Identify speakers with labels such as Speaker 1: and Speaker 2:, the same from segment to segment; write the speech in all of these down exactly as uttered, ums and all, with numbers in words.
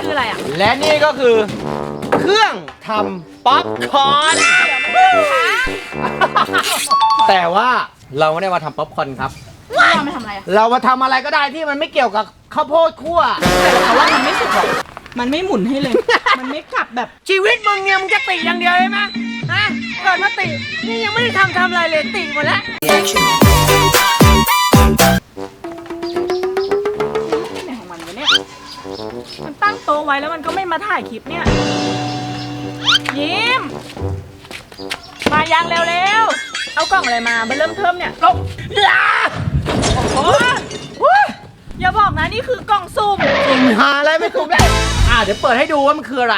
Speaker 1: คืออะไรอ่ะ
Speaker 2: และนี่ก็คือเครื่องทำป๊อปคอร์นแต่ว่าเราไม่ได้มาทำป๊อปคอร์นครับ
Speaker 1: เรามาทำอะไรอ่ะ
Speaker 2: เรามาทำอะไรก็ได้ที่มันไม่เกี่ยวกับข้าวโพดคั่ว
Speaker 1: แต่เขาว่ามันไม่สุกหรอกมันไม่หมุนให้เลย มันไม่กลับแบบ
Speaker 2: ชีวิตมึงเนี่ยมึงจะติอย่างเดียวใช่ไหมฮะเกิดมาตินี่ยังไม่ได้ทำทำอะไรเลยติหมดแล้ว
Speaker 1: ไหนของมันวะเนี่ยมันตั้งโต๊ะไว้แล้วมันก็ไม่มาถ่ายคลิปเนี่ยยิ้มมายังเร็วๆเอากล่องอะไรมาเริ่มเทิมเนี่ยลงโอ้โหอย่าบอกนะนี่คือกล่องสุ่ม
Speaker 2: สุ่มหาอะไรไม่สุ่มได้อ่าเดี๋ยวเปิดให้ดูว่ามันคืออะไร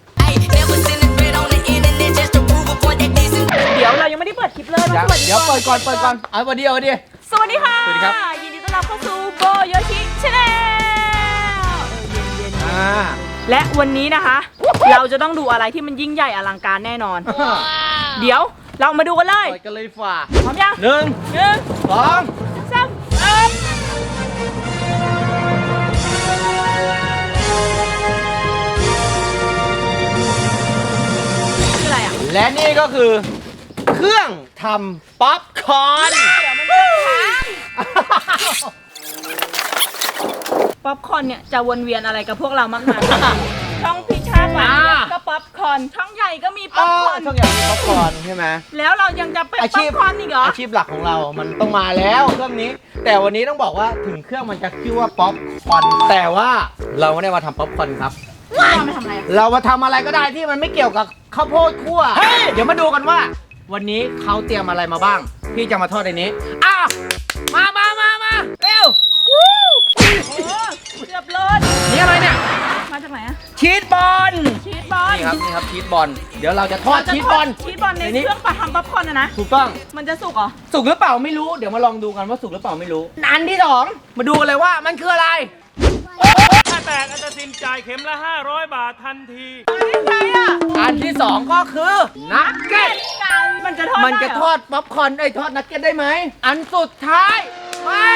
Speaker 1: เดี๋ยวเรายังไม่ได้เปิดคลิปเลยมาสวัสดี
Speaker 2: เดี๋ยวเปิดก่อนเปิดก่อนเอาวันเดียววันเดียว
Speaker 1: สวัสดีค่ะ
Speaker 2: สวัสดีครับ
Speaker 1: ยินดีต้อนรับเข้าสู่โบโยชิชาแนล
Speaker 2: อ่า
Speaker 1: และวันนี้นะคะเราจะต้องดูอะไรที่มันยิ่งใหญ่อลังการแน่นอนเดี๋ยวเรามาดูกันเลย
Speaker 2: เปิดกันเลยฝ่า
Speaker 1: พร้อมยัง
Speaker 2: หนึ่ง
Speaker 1: หนึ่ง
Speaker 2: สอง
Speaker 1: สามเอ็มคืออะไรอ่ะ
Speaker 2: และนี่ก็คือเครื่องทำป๊อปคอร์น
Speaker 1: ป๊อปคอร์นเนี่ยจะวนเวียนอะไรกับพวกเรามากมายช่องพิชาหวานก็ป๊อปคอร์นช่องใหญ่ก็มีป๊อปคอร์น
Speaker 2: ช่องใหญ่มีป๊อปคอร์นใช่ไหม
Speaker 1: แล้วเรายังจะเป็นป๊อปคอร์นอีกเหรอ
Speaker 2: อาชีพหลักของเรามันต้องมาแล้วเครื่องนี้แต่วันนี้ต้องบอกว่าถึงเครื่องมันจะชื่อว่าป๊อปคอร์นแต่ว่าเราไม่ได้มาทำป๊อปคอร์นครับ
Speaker 1: เรามาทำอะไร
Speaker 2: เรามาทำอะไรก็ได้ที่มันไม่เกี่ยวกับข้าวโพดคั่วเดี๋ยวมาดูกันว่าวันนี้เขาเตรียมอะไรมาบ้างพี่จะมาทอดในนี้อ้าวมามามามาเร็ว
Speaker 1: วู้เกือบโลด
Speaker 2: นี่อะไรเนี่ย
Speaker 1: มาจากไหนอะ
Speaker 2: ชีสบอล
Speaker 1: ชีสบอล
Speaker 2: นี่ครับนี่ครับชีสบอลเดี๋ยวเราจะทอดชีสบอล
Speaker 1: ชีสบอลในเครื่องปะทำป๊อปคอร์นนะ
Speaker 2: ถูกต้อง
Speaker 1: มันจะสุกเหรอ
Speaker 2: สุกหรือเปล่าไม่รู้เดี๋ยวมาลองดูกันว่าสุกหรือเปล่าไม่รู้อันที่สองมาดูกันเลยว่ามันคืออะไร
Speaker 3: ถ้าแตกอันจะสินจ่ายเข็มละห้าร้อยบาททันที
Speaker 2: อันที่สองก็คือนักเก็ต
Speaker 1: มันจะทอด
Speaker 2: มันจะทอดป๊อปคอร์นไอ้ทอดนักเก็ตได้ไหมอันสุดท้ายมา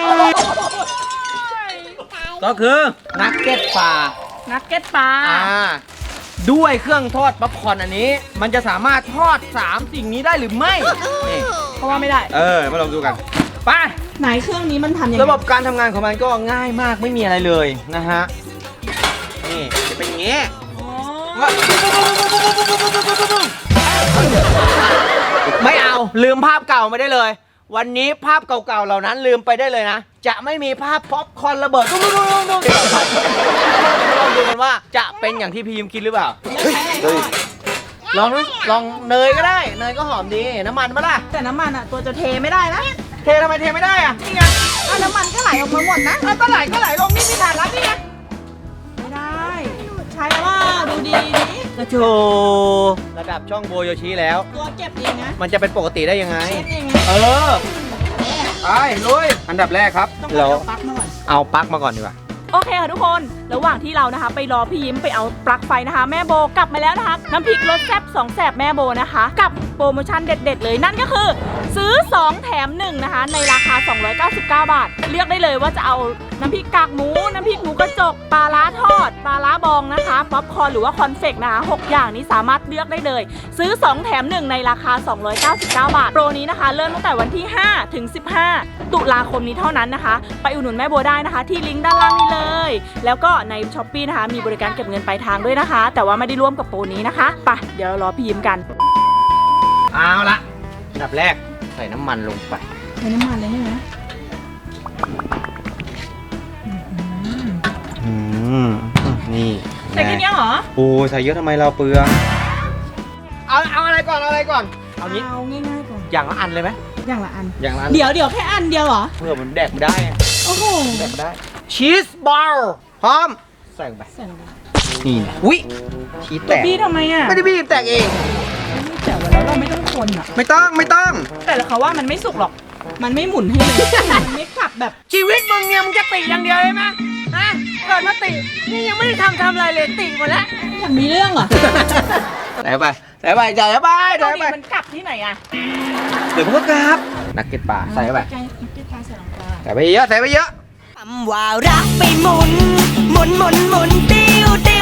Speaker 2: ก็คือนักเก็ตปลา
Speaker 1: นักเก็ตปลา
Speaker 2: ด้วยเครื่องทอดป๊อปคอร์นอันนี้มันจะสามารถทอดสามสิ่งนี้ได้หรือไม่
Speaker 1: นี่เพราะว่าไม่ได้
Speaker 2: เออมาลองดูกันไป
Speaker 1: ไหนเครื่องนี้มันทำยังไง
Speaker 2: ระบบการทำงานของมันก็ง่ายมากไม่มีอะไรเลยนะฮะนี่จะเป็นอย่างงี้ไม่เอาลืมภาพเก่าไม่ได้เลยวันนี้ภาพเก่าๆเหล่านั้นลืมไปได้เลยนะจะไม่มีภาพป๊อปคอร์นระเบิดตุ้มๆลองดูกันว่าจะเป็นอย่างที่พี่ยิมคิดหรือเปล่าลองลองเนยก็ได้เนยก็หอมดีน้ำมันมาล่ะ
Speaker 1: แต่น้ำมันอ่ะตัวจะเทไม่ได้นะ
Speaker 2: เททำไมเทไม่ได้อ่ะ
Speaker 1: นี่ไงเอาน้ำมันก็ไหลออกมาหมดนะ
Speaker 2: เอาก็ไหลก็ไหลลงนี่พี่ถ่านรับนี่ไง
Speaker 1: ไม่ได้ใช้ว่าดูดีดิ
Speaker 2: กระโจระดับช่องโบโยชิแล้ว
Speaker 1: ตัวเก็บเองนะ
Speaker 2: มันจะเป็นปกติได้ยังไง
Speaker 1: เอง
Speaker 2: เออไปลุยอันดับแรกครับ
Speaker 1: เราเอาปลั๊กมาก่อน
Speaker 2: เอาปลั๊กมาก่อนดีกว่า
Speaker 1: โอเคค่ะทุกคนระหว่างที่เรานะคะไปรอพี่ยิ้มไปเอาปลั๊กไฟนะคะแม่โบกลับมาแล้วนะคะน้ำพริกรสแซ่บสองแสบแม่โบนะคะกับโปรโมชั่นเด็ดๆเลยนั่นก็คือซื้อสองแถมหนึ่งนะคะในราคาสองร้อยเก้าสิบเก้าบาทเลือกได้เลยว่าจะเอาน้ำพริกกากหมูน้ำพริกหมูกระจกปลาล้าทอดปลาล้าบองนะคะป๊อปคอร์นหรือว่าคอนเฟกนะคะหกอย่างนี้สามารถเลือกได้เลยซื้อสองแถมหนึ่งในราคาสองร้อยเก้าสิบเก้าบาทโปรนี้นะคะเริ่มตั้งแต่วันที่ห้าถึงสิบห้าตุลาคมนี้เท่านั้นนะคะไปอุดหนุนแม่โบได้นะคะที่ลิงก์ด้านล่างนี้เลยแล้วก็ใน ช้อปปี้ นะคะมีบริการเก็บเงินปลายทางด้วยนะคะแต่ว่าไม่ได้ร่วมกับโปรนี้นะคะไปเดี๋ยวเรารอพี่ยิ้มกัน
Speaker 2: เอาละอันดับแรกใส่น้ำมันลงไป
Speaker 1: ใส่น้ำมันเลยใช่ไหม
Speaker 2: อืมนี่
Speaker 1: ใส่แค่นี้เหรอ
Speaker 2: โอ้ใส่เยอะทำไมเราเปลืองเอาเอาอะไรก่อนเอาอะไรก่อน
Speaker 1: เอางี้เอาง่ายๆก่อน
Speaker 2: อย่างละอันเลยไหม
Speaker 1: อย่างละอัน
Speaker 2: อย่างละอัน
Speaker 1: เดี๋ยวเดี๋ยวแค่อันเดียวเหรอ
Speaker 2: เพื่อมันแดกไม่ได้
Speaker 1: โอ้โห
Speaker 2: แดกไม่ได้ชีสบอลพร้อมใส่ลงไป
Speaker 1: ใส่ลงไป
Speaker 2: นี่นะอุ้ยชีสแตก
Speaker 1: บี้ทำไมอ่ะ
Speaker 2: ไม่ได้บี้แตกเอง
Speaker 1: ไม่แตกแล้วเราไม่ต้องคนอ่ะ
Speaker 2: ไม่ต้องไม่ต้อง
Speaker 1: แต่เขาว่ามันไม่สุกหรอกมันไม่หมุนให้เลยมันไม่กลับแบบ
Speaker 2: ชีวิตมึงเนี่ยมึงจะติอย่างเดียวใช่ไหมฮะเกิดมาตินี่ยังไม่ได้ทำทำอะไรเลยติหมดแล้ว
Speaker 1: มันมีเรื่องเหรอ
Speaker 2: ใส่ไปใส่ไปใส่ไปใส่ไป
Speaker 1: มันกลับที่ไหนอ่ะ
Speaker 2: เดี๋ยวมันก็กลับนักเก็ตปลาใส่ไปใส่ไปเยอะใส่ไปเยอะ
Speaker 4: คำว่ารักไปหมุนหมุนหมุนหมุนติ้วติ้ว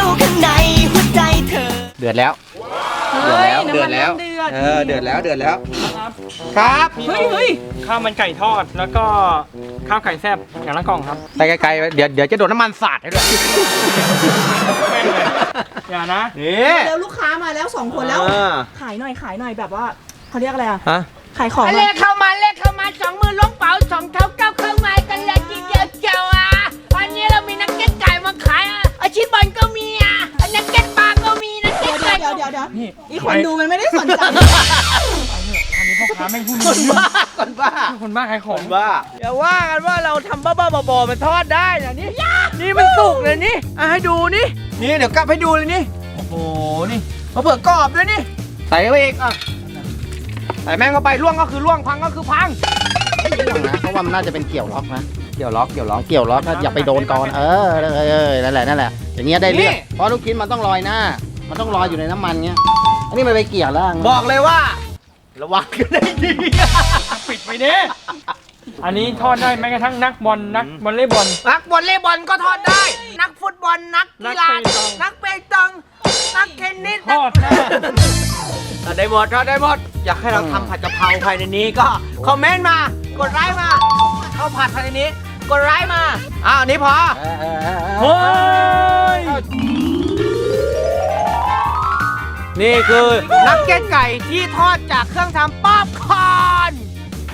Speaker 2: เดือดแล้ว
Speaker 1: เฮ้ย
Speaker 2: เดือดแล้ว
Speaker 1: น้ำมันเดือด
Speaker 2: เออเดือดแล้วเดือดแล้วครับ
Speaker 1: เฮ้ยเฮ้ย
Speaker 3: ข้าวมันไก่ทอดแล้วก็ข้าวไก่แซ่บอย่างละกล่องครับ
Speaker 2: ไปไกลๆเดี๋ยวเดี๋ยวจะโดนน้ำมันสาดให้ด้วย
Speaker 3: แม่งเลยอย่านะ
Speaker 2: นี่
Speaker 1: แล้วลูกค้ามาแล้วสองคนแล้ว
Speaker 2: อ่า
Speaker 1: ขายหน่อยขายหน่อยแบบว่าเขาเรียกอะไรอะ
Speaker 2: ฮะ
Speaker 1: ขายของ
Speaker 4: เล
Speaker 1: อะ
Speaker 4: ขเข้ามาเลขเข้ามาสองมือล้วงเป๋าสองเท้าก้าวเข้ามากันเลยทีเดียวเจ้าอ่ะวันนี้เรามีนักเก็ตไก่มาขายอ่ะอาชีพบอลก็มีอ่ะนักเก็ตปลาก็มีนักเก็
Speaker 1: เดี๋
Speaker 4: ต
Speaker 1: ยว
Speaker 4: ไก่
Speaker 1: เดี๋ยว
Speaker 4: ก็
Speaker 1: เดี๋ยวเดี๋ยว
Speaker 3: นี่
Speaker 1: อีกคนดูมันไม่ได้สนใจ
Speaker 3: อันนี้พ่อค้าไม่พูด
Speaker 2: คนบ้าคนบ้า
Speaker 3: คนบ้าขายข
Speaker 2: ค
Speaker 3: อง
Speaker 2: นบ้าอย่าว่ากันว่าเราทำบ้าๆบอๆมันทอดได้นะนี่นี่มันสุกเลยนี่อ่ะให้ดูนี่นี่เดี๋ยวกลับให้ดูเลยนี่โอ้โหนี่มาเผือกกรอบด้วยนี่ใส่ไปอีกอ่ะใส่แม่งเข้าไปล่วงก็คือล่วงพังก็คือพัง
Speaker 5: ไม่ร่วงนะเพราะว่ามันน่าจะเป็นเกี่ยวล็อกนะ
Speaker 2: เกี่ยวล็อกเกี่ยวล็อก
Speaker 5: เกี่ยวล็อกนะอย่าไปโดนตอนเออเออเออนั่นแหละนั่นแหละอย่างเงี้ยได้เรื่อง
Speaker 2: นี่
Speaker 5: เพราะลูกชิ้นมันต้องลอยหน้า มันต้องลอยอยู่ในน้ำมันเงี้ยอันนี้มันไปเกี่ยวแล้ว
Speaker 2: บอกเลยว่า ระวังกันได้ดี
Speaker 3: ปิดไปเด้อันนี้ทอดได้แม้กระทั่งนักบอลนักบอลเล่บอล
Speaker 2: นักวอลเลย์บอลก็ทอดได้ นักฟุตบอลนักกีฬา
Speaker 3: นักเปตอง
Speaker 2: นักเปตองนักเทนนิส
Speaker 3: ทอดได้
Speaker 2: ทอดได้หมดทอดได้หมด อยากให้เราทำผัดกะเพราภายในนี้ก็คอมเมนต์มา กดไลค์มาเข้าผัดภายในนี้ กดไลค์มาอ้าวอันนี้พอ
Speaker 5: เออเออเออเออ
Speaker 3: เฮ้ย
Speaker 2: นี่คือนักเก็ตไก่ที่ทอดจากเครื่องทำป๊อปคอร์น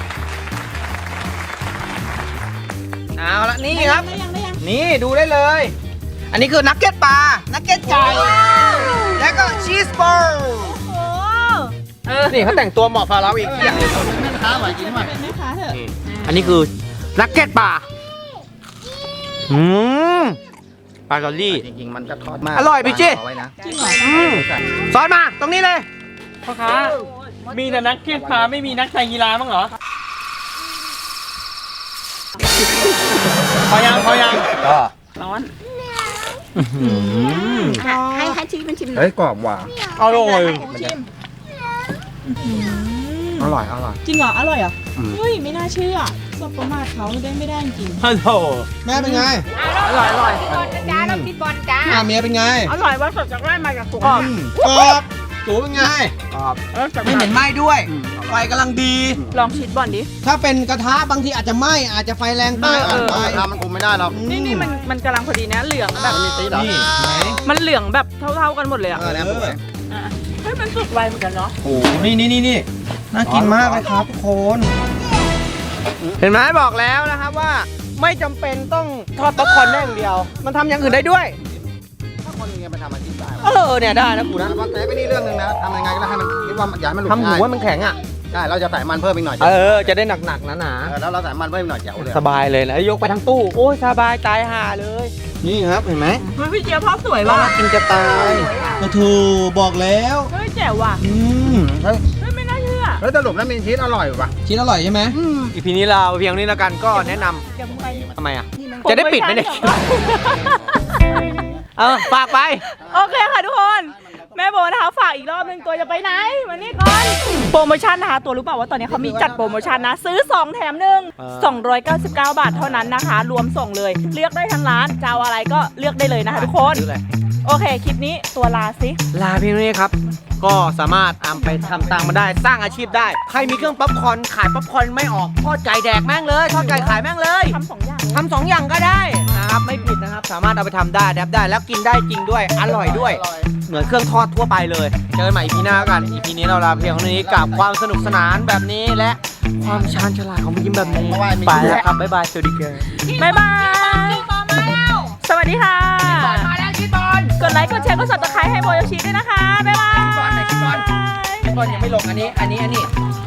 Speaker 2: เอาละนี่ครับ
Speaker 1: ได้ยังได้ยัง
Speaker 2: นี่ดูได้เลย อันนี้คือนักเก็ตปลา นักเก็ตไก่ แล้วก็ชีสบอล
Speaker 1: โอ้
Speaker 2: เออ นี่เขาแต่งตัวเหมาะพาเราอีกอย่าง
Speaker 5: แม่ค้าไหวจริงไหม
Speaker 1: เป็นแม่ค้าเถอะ
Speaker 2: นี่อันนี้คือนักเก็ตปลา อืมปลาเกาหลี
Speaker 5: จริงๆมันจะทอดมาก
Speaker 2: อร่อยพี่จี้
Speaker 5: เอาไว้นะ
Speaker 1: จริงเหรอ
Speaker 2: อืมซอสมาตรงนี้เลย
Speaker 3: พ่อค้ามีแต่นักเก็ตพาไม่มีนักไตรกีฬามั้างเหรอพอยังพอยัง
Speaker 2: ก็
Speaker 1: ร้อน
Speaker 4: ให้ให้ชิมเป็นชิมหน่อย
Speaker 5: เฮ้ยกรอบว่ะ
Speaker 2: อร่อย
Speaker 1: ชิม
Speaker 5: อร่อยอร่อย
Speaker 1: จริงเหรอ อร่อยเหรอ
Speaker 5: อืม
Speaker 1: เฮ้ย ไม่น่าเชื่อสบประมาทเขาได้ไม่ได้จริง
Speaker 3: ฮัลโหล
Speaker 6: แม่เป็นไง
Speaker 1: อร่อยอร่อย
Speaker 4: บอลนะจ้าเราคิดบอลจ้า
Speaker 6: อ่าเมียเป็นไง
Speaker 1: อร่อยว่าสดจากไร่มาจากสวน
Speaker 6: กรอบสูเป็นไง ไม่เหม็นไหม้ด้วย ไฟกำลังดี
Speaker 1: ลองชิดบอลดิ
Speaker 6: ถ้าเป็นกระทะบางทีอาจจะไหม้อาจจะไฟแรงไป
Speaker 1: เออเออ
Speaker 6: อ่อนไป
Speaker 5: ทำมันคุมไม่ได้หรอก
Speaker 1: นี่นี่มันมันกำลังพอดีนะ เหลืองแบบ
Speaker 5: มันมีตีหรอ
Speaker 6: นี่ไหน
Speaker 1: มันเหลืองแบบเท่าๆกันหมดเลยอ่ะ
Speaker 5: เออแล้วสวย
Speaker 1: อ่ะเฮ้ยมันสุกไวเหมือนกันเนาะ
Speaker 6: โอ้โหนี่นี่นี่นี่น่ากินมากเลยครับทุกคน
Speaker 2: เห็นไหมบอกแล้วนะครับว่า ไม่จำเป็นต้องทอดป๊อปคอร์นได้อย่างเดียว มันทำอย่างอื่นได้ด้วย
Speaker 5: ถ้าคนยังไงไปทำอาชีพได้
Speaker 2: เออเนี่ยได้นะกูนะ
Speaker 5: แต่ว่าแต่ไปนี่เรื่องหนึงนะทำยังไงก็ได้ให้มันคิดว่าอย่าให้มันหลุด
Speaker 2: ทำหมู
Speaker 5: ง่าย
Speaker 2: ว่ามันแข็งอ่ะ
Speaker 5: ใช่เราจะใส่มันเพิ่มอีกหน่อย
Speaker 2: เออ จะได้หนักๆหนา
Speaker 5: เออแล้วเราใส่มันเพิ่มอีกหน่อยแจ๋วเลย
Speaker 2: ๆสบายเลยนะยกไปทั้งตู้ โอ้ยสบายตายห่าเลย
Speaker 6: นี่ครับเห็นไหม
Speaker 1: เฮ้ยพี่เจี๊ยบภาพสวยว่ะ
Speaker 6: กินจะตายโอ้โหบอกแล้ว
Speaker 1: เฮ้ยแจ๋วว่ะ
Speaker 6: อืม
Speaker 1: เฮ้ยไม่น่าเชื่อ
Speaker 5: แล้วสรุปแล้วมีชีสอร่อยป่ะ
Speaker 6: ชิ้นอร่อยใช่ไหม
Speaker 2: อีพีนี้เราเพียงนี้แล้วกันก็แนะนำ
Speaker 1: เดี๋ยวมึงไป
Speaker 2: ทำไมอ่ะ จะได้ปิดไหมเนี่ย เออฝากไป
Speaker 1: โอเคค่ะทุกคน แม่โบนะคะฝากอีกรอบหนึงตัวจะไปไหนมานี่ก่อนโปรโมชั่นนะคะตัวรู้เปล่าว่าตอนนี้เขามีจัดโปรโมชั่นนะ ซื้อสองแถมหนึ่ง
Speaker 2: เออ
Speaker 1: สองร้อยเก้าสิบเก้าบาทเท่านั้นนะคะ รวมส่งเลย เลือกได้ทั้งร้านจะเอาอะไรก็เลือกได้เลยนะคะทุกคน
Speaker 2: ซื้อเลย
Speaker 1: โอเค คลิปนี้ตัวลาสิ
Speaker 2: ลาเพียงเท่านี้ครับ ก็สามารถเอาไปทำตังค์มาได้สร้างอาชีพได้ ใครมีเครื่องป๊อปคอร์นขายป๊อปคอร์นไม่ออกทอดไก่แดกแม่งเลยทอดไก่ขายแม่งเลย
Speaker 1: ทำสองอย่าง
Speaker 2: ทำสองอย่างก็ได้นะครับไม่ผิดนะครับ สามารถเอาไปทำได้แดบได้แล้วกินได้จริงด้วย อร่อยด้วย เหมือนเครื่องทอดทั่วไปเลยเจอกันใหม่อีพีหน้ากันอีพีนี้เราลาเพียงเท่านี้กับความสนุกสนานแบบนี้และความชาญฉลาดของพี่ยิ้มแบบนี้ไปแล้วครับบ๊ายบายสวัสดีครับ
Speaker 1: บ๊ายบาย สวัสดีค่ะ
Speaker 4: มาแล้วชิดบอล
Speaker 1: กดไลค์ กดแชร์ กด ซับสไครบ์ให้โบโยชิด้วยนะคะ บ๊ายบาย
Speaker 2: บอลไหนบอลบอลยังไม่ลงอันนี้ อันนี้ อันนี้